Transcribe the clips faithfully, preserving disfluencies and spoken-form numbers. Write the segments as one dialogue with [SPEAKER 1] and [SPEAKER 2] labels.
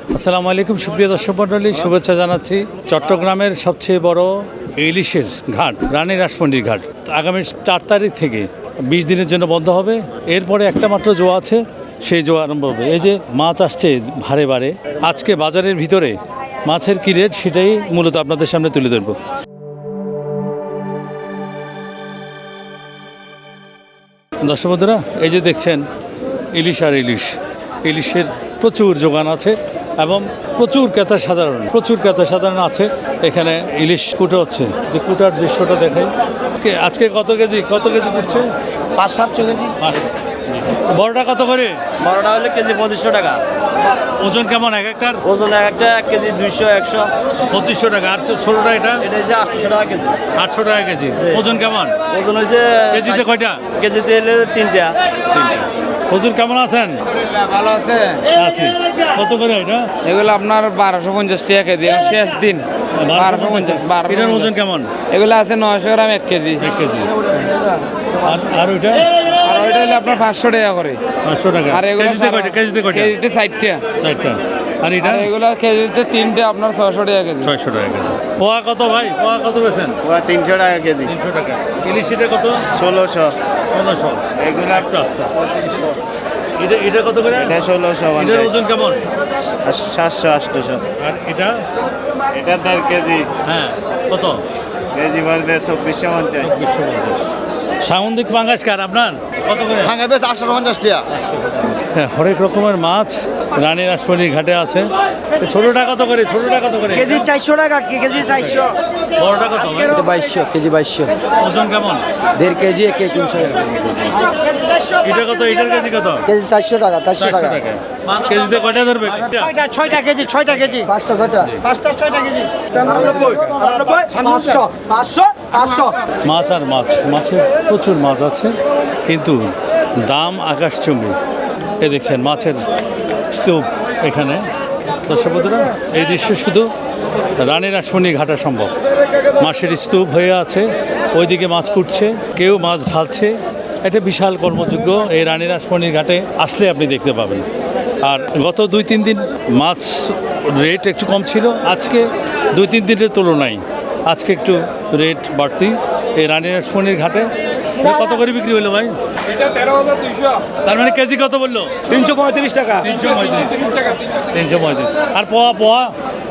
[SPEAKER 1] আসসালামু আলাইকুম সুপ্রিয় দর্শক মণ্ডলী, শুভেচ্ছা জানাচ্ছি। চট্টগ্রামের সবচেয়ে বড় ইলিশের ঘাট রানী রাসমণির ঘাট আগামী চার তারিখ থেকে বিশ দিনের জন্য বন্ধ হবে। এরপরে একটা মাত্র জোয়া আছে, সেই জোয়া আরম্ভ হবে। এই যে মাছ আসছে ভারে ভারে, আজকে বাজারের ভিতরে মাছের কী রেট সেটাই মূলত আপনাদের সামনে তুলে ধরবো। দর্শক বন্ধুরা, এই যে দেখছেন ইলিশ আর ইলিশ ইলিশের প্রচুর যোগান আছে এবং প্রচুর ক্রেতা সাধারণ প্রচুর ক্রেতা সাধারণ আছে। এখানে ইলিশ কুটো হচ্ছে, যে কুটার দৃশ্যটা দেখাই। আজকে আজকে কত কেজি কত কেজি করছে?
[SPEAKER 2] পাঁচ সাতশো কেজি।
[SPEAKER 1] বড়টা কত করে?
[SPEAKER 2] বড়টা হলে কেজি পঁচিশশো টাকা।
[SPEAKER 1] ওজন কেমন এক একটার?
[SPEAKER 2] ওজন এক একটা এক কেজি দুইশো একশো
[SPEAKER 1] পঁচিশশো টাকা। আর ছোটটা এটা
[SPEAKER 2] এটা হচ্ছে আটশোশো টাকা কেজি।
[SPEAKER 1] আটশো টাকা কেজি। ওজন কেমন?
[SPEAKER 2] ওজন হয়েছে
[SPEAKER 1] কেজিতে কয়টা?
[SPEAKER 2] কেজিতে এলে তিনটা।
[SPEAKER 1] তিনটা। হুজুর কেমন আছেন?
[SPEAKER 3] ভালো আছে।
[SPEAKER 1] আছি। কত করে এটা?
[SPEAKER 3] এগুলো আপনার বারোশো পঞ্চাশ টাকা কেজি, শেষ দিন বারোশো পঞ্চাশ।
[SPEAKER 1] এটার ওজন কেমন?
[SPEAKER 3] এগুলো আছে নয়শো গ্রাম এক কেজি।
[SPEAKER 1] এক কেজি। আর আর ওইটা?
[SPEAKER 3] আর ওইটা হলে আপনার পাঁচশো টাকা করে।
[SPEAKER 1] পাঁচশো টাকা।
[SPEAKER 3] আর এগুলো
[SPEAKER 1] কেজিতে কয়টা? কেজিতে কয়টা?
[SPEAKER 3] কেজিতে ষাটটা।
[SPEAKER 1] চারটা। আর এটা?
[SPEAKER 3] আর এগুলো কেজিতে তিনটে আপনার ছয়শো টাকা কেজি।
[SPEAKER 1] ছয়শো টাকা কেজি। পোয়া কত ভাই? পোয়া কত বেছেন?
[SPEAKER 2] ওরা তিনশো টাকা কেজি।
[SPEAKER 1] তিনশো টাকা। ইলিশ এটা কত?
[SPEAKER 2] ষোলোশো।
[SPEAKER 1] ষোলোশো।
[SPEAKER 2] এগুলো
[SPEAKER 1] একটু আস্তে।
[SPEAKER 2] পঁচিশশো।
[SPEAKER 1] এটা এটা কত করে?
[SPEAKER 2] এটা ষোলোশো
[SPEAKER 1] এটার ওজন কেমন?
[SPEAKER 2] সাতশো আটশোশো।
[SPEAKER 1] আর এটা?
[SPEAKER 2] এটা দেড় কেজি।
[SPEAKER 1] হ্যাঁ কত?
[SPEAKER 2] কেজি বলবে চব্বিশশো পঞ্চাশ।
[SPEAKER 1] সামুদ্রিক পাঙ্গাস কার আপনার? কত করে?
[SPEAKER 4] ভাঙা বেশ আটশো পঞ্চাশ টাকা।
[SPEAKER 1] হ্যাঁ, হরেক রকমের মাছ রানী রাসমণির ঘাটে আছে। ছোটটা কত করে? ছোটটা কত করে?
[SPEAKER 5] কেজি চারশো টাকা। কেজি চারশো।
[SPEAKER 1] বড়টা কত ভাই?
[SPEAKER 5] বাইশশো কেজি বাইশশো।
[SPEAKER 1] ওজন কেমন?
[SPEAKER 5] দেড় কেজি এক কেজি তিনশো টাকা।
[SPEAKER 1] এটা কত? এটার কেজি কত?
[SPEAKER 5] কেজি চারশো টাকা। চারশো
[SPEAKER 1] চারশো
[SPEAKER 5] টাকা।
[SPEAKER 1] টাকা। কেজিতে কয়টা ধরবে?
[SPEAKER 5] ছয়টা ছয়টা কেজি ছয়টা কেজি পাঁচটা ছয়টা পাঁচটা ছয়টা কেজি। পাঁচশো পাঁচশো পাঁচশো।
[SPEAKER 1] মাছ আর মাছ, মাছের প্রচুর মাছ আছে, কিন্তু দাম আকাশচুম্বী। এ দেখছেন মাছের স্তূপ এখানে। দর্শক বন্ধুরা, এই দৃশ্য শুধু রানী রাসমণি ঘাটা সম্ভব। মাছের স্তূপ হয়ে আছে, ওইদিকে মাছ কুটছে, কেউ মাছ ঢালছে। এটা বিশাল কর্মযোগ্য এই রানী রাসমণির ঘাটে আসলে আপনি দেখতে পাবেন। আর গত দুই তিন দিন মাছ রেট একটু কম ছিল, আজকে দুই তিন দিনের তুলনায় আজকে একটু রেট বাড়তি এই রানী রাসমণির ঘাটে। এটা কত করে বিক্রি হলো ভাই? তার মানে কেজি কত বললো?
[SPEAKER 5] তিনশো পঁয়ত্রিশ টাকা।
[SPEAKER 1] তিনশো পঁয়ত্রিশ। তিনশো পঁয়ত্রিশ। আর পোয়া পোয়া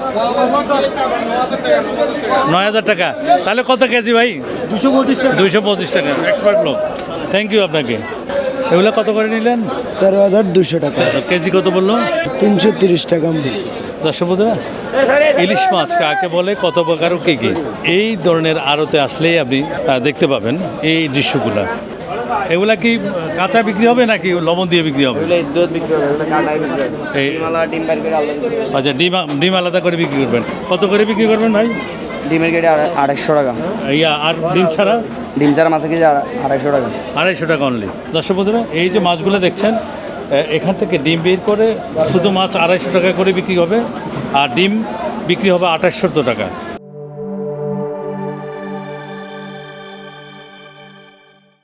[SPEAKER 1] নয় হাজার টাকা। তাহলে কত কেজি ভাই?
[SPEAKER 5] দুশো পঁচিশ টাকা।
[SPEAKER 1] দুইশো পঁচিশ টাকা। এক্সপার্ট লোক, থ্যাংক ইউ আপনাকে। এগুলো কত করে নিলেন?
[SPEAKER 5] তেরো হাজার দুশো টাকা।
[SPEAKER 1] কেজি কত বললো?
[SPEAKER 5] তিনশো তিরিশ টাকা।
[SPEAKER 1] দর্শক বন্ধুরা, ইলিশ মাছ কাকে বলে, কত প্রকার ও কী কী, এই ধরনের আড়তে আসলেই আপনি আহ, দেখতে পাবেন এই দৃশ্যগুলো। এগুলা কি কাঁচা বিক্রি হবে নাকি লবণ দিয়ে বিক্রি হবে?
[SPEAKER 3] দুধ বিক্রি হবে, কাটাই বিক্রি হবে।
[SPEAKER 1] এই
[SPEAKER 3] ডিম বার করে আলাদা।
[SPEAKER 1] আচ্ছা, ডিম ডিম আলাদা করে বিক্রি করবেন। কত করে বিক্রি করবেন ভাই?
[SPEAKER 3] ডিমের কেটে আড়াইশো টাকা।
[SPEAKER 1] ইয়া আর ডিম ছাড়া?
[SPEAKER 3] ডিম ছাড়া মাছের কেজি আড়াইশো টাকা।
[SPEAKER 1] আড়াইশো টাকা অনলি। দর্শক বন্ধুরা, এই যে মাছগুলো দেখছেন, এখান থেকে ডিম বের করে শুধু মাছ আড়াইশো টাকা করে বিক্রি হবে, আর ডিম বিক্রি হবে আঠাশশো টাকা।